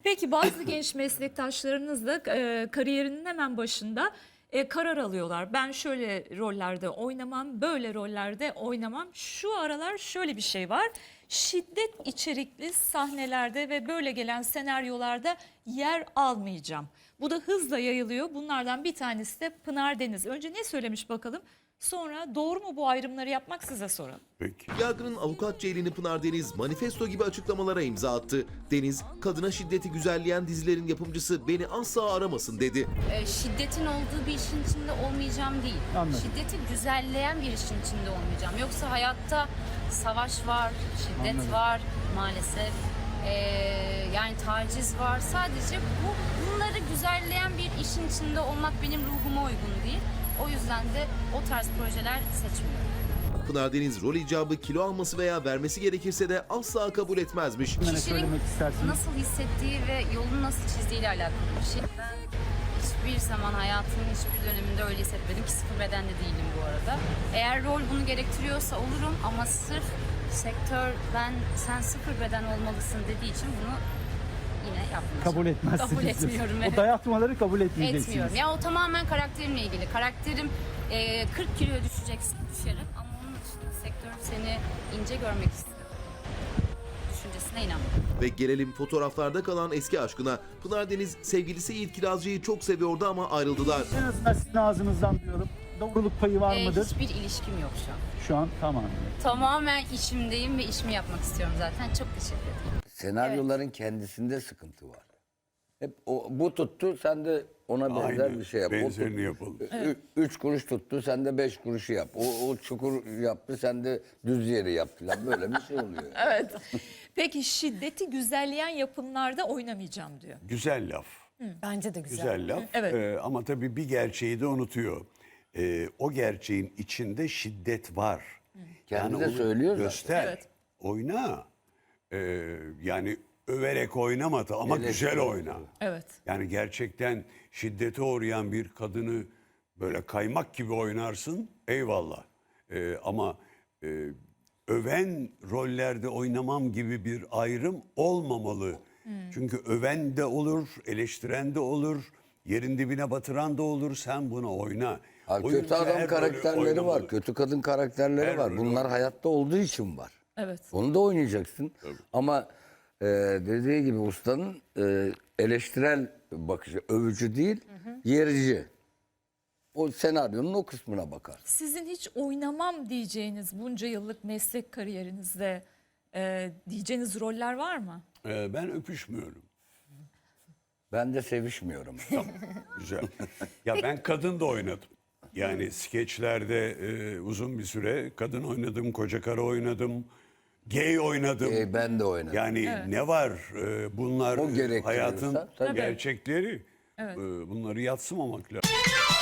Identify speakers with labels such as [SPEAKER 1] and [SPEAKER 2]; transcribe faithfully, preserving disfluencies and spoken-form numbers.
[SPEAKER 1] Peki bazı genç meslektaşlarınız da e, kariyerinin hemen başında e, karar alıyorlar. Ben şöyle rollerde oynamam, böyle rollerde oynamam. Şu aralar şöyle bir şey var. Şiddet içerikli sahnelerde ve böyle gelen senaryolarda yer almayacağım. Bu da hızla yayılıyor. Bunlardan bir tanesi de Pınar Deniz. Önce ne söylemiş bakalım? Sonra doğru mu bu ayrımları yapmak, size soralım.
[SPEAKER 2] Peki. Yargının avukat Ceylini Pınar Deniz manifesto gibi açıklamalara imza attı. Deniz, kadına şiddeti güzelleyen dizilerin yapımcısı beni asla aramasın dedi.
[SPEAKER 3] E, şiddetin olduğu bir işin içinde olmayacağım değil.
[SPEAKER 4] Anladım.
[SPEAKER 3] Şiddeti güzelleyen bir işin içinde olmayacağım. Yoksa hayatta savaş var, şiddet
[SPEAKER 4] Anladım.
[SPEAKER 3] var maalesef. E, yani taciz var. Sadece bu bunları güzelleyen bir işin içinde olmak benim ruhuma uygun değil. O yüzden de o tarz projeler seçmiyorum.
[SPEAKER 2] Pınar Deniz rol icabı kilo alması veya vermesi gerekirse de asla kabul etmezmiş.
[SPEAKER 4] Ne
[SPEAKER 3] Kişinin
[SPEAKER 4] söylemek istersiniz?
[SPEAKER 3] nasıl hissettiği ve yolunu nasıl çizdiğiyle alakalı bir şey. Ben hiçbir zaman hayatımın hiçbir döneminde öyle hissetmedim ki sıfır bedenli değilim bu arada. Eğer rol bunu gerektiriyorsa olurum ama sırf sektör ben sen sıfır beden olmalısın dediği için bunu yine yapmayacağım.
[SPEAKER 4] Kabul etmezsiniz.
[SPEAKER 3] Kabul etmiyorum.
[SPEAKER 4] O
[SPEAKER 3] Evet.
[SPEAKER 4] dayatmaları kabul etmeyeceksiniz.
[SPEAKER 3] Etmiyorum. Ya o tamamen karakterimle ilgili. Karakterim e, kırk kiloya düşeceksin, düşerim ama onun dışında sektör seni ince görmek istiyor. Düşüncesine inanmıyorum.
[SPEAKER 2] Ve gelelim fotoğraflarda kalan eski aşkına. Pınar Deniz sevgilisi Yiğit Kirazcı'yı çok seviyordu ama ayrıldılar.
[SPEAKER 4] En azından sizin ağzınızdan diyorum. Doğruluk payı var
[SPEAKER 3] E,
[SPEAKER 4] mıdır?
[SPEAKER 3] hiçbir ilişkim yok şu an.
[SPEAKER 4] Şu an tamam.
[SPEAKER 3] Tamamen işimdeyim ve işimi yapmak istiyorum zaten. Çok teşekkür ederim.
[SPEAKER 5] Senaryoların kendisinde sıkıntı var. Hep o, bu tuttu, sen de ona benzer
[SPEAKER 6] Aynen,
[SPEAKER 5] bir şey yap. O
[SPEAKER 6] benzerini
[SPEAKER 5] tut-
[SPEAKER 6] yapalım.
[SPEAKER 5] Ü- Üç kuruş tuttu, sen de beş kuruşu yap. O, o çukur yaptı, sen de düz yeri yap falan. Böyle bir şey oluyor.
[SPEAKER 1] Evet. Peki şiddeti güzelleyen yapımlarda oynamayacağım diyor.
[SPEAKER 6] Güzel laf.
[SPEAKER 1] Bence de güzel.
[SPEAKER 6] Güzel laf.
[SPEAKER 1] Evet.
[SPEAKER 6] Ee, ama tabii bir gerçeği de unutuyor. Ee, o gerçeğin içinde şiddet var.
[SPEAKER 5] Kendi de
[SPEAKER 6] onu
[SPEAKER 5] söylüyor zaten.
[SPEAKER 6] Göster.
[SPEAKER 1] Evet.
[SPEAKER 6] Oyna. Ee, yani överek oynama da ama
[SPEAKER 5] Eleştiri.
[SPEAKER 6] güzel oyna.
[SPEAKER 1] Evet.
[SPEAKER 6] Yani gerçekten şiddete uğrayan bir kadını böyle kaymak gibi oynarsın, eyvallah. Ee, ama e, öven rollerde oynamam gibi bir ayrım olmamalı. Çünkü öven de olur, eleştiren de olur, yerin dibine batıran da olur. Sen bunu oyna.
[SPEAKER 5] Ha,
[SPEAKER 6] Oyuncu
[SPEAKER 5] kötü adam
[SPEAKER 6] her rolü
[SPEAKER 5] karakterleri
[SPEAKER 6] oynamalı.
[SPEAKER 5] var, kötü kadın karakterleri
[SPEAKER 6] Her
[SPEAKER 5] var.
[SPEAKER 6] rolü
[SPEAKER 5] Bunlar
[SPEAKER 6] oynamalı.
[SPEAKER 5] hayatta olduğu için var.
[SPEAKER 1] Evet.
[SPEAKER 5] Onu da oynayacaksın. Ama e, dediği gibi ustanın e, eleştirel bakışı, övücü değil, yerici. O senaryonun o kısmına bakar.
[SPEAKER 1] Sizin hiç oynamam diyeceğiniz bunca yıllık meslek kariyerinizde e, diyeceğiniz roller var mı?
[SPEAKER 6] Ee, ben öpüşmüyorum.
[SPEAKER 5] Ben de sevişmiyorum.
[SPEAKER 6] Güzel. Ya ben kadın da oynadım. Yani skeçlerde e, uzun bir süre kadın oynadım, koca karı oynadım, gay oynadım.
[SPEAKER 5] E, ben de oynadım.
[SPEAKER 6] Yani ne var? e, bunlar
[SPEAKER 5] O
[SPEAKER 6] e,
[SPEAKER 5] gerektiriyorsa,
[SPEAKER 6] hayatın
[SPEAKER 5] tabii.
[SPEAKER 6] gerçekleri. E, bunları yadsımamak lazım.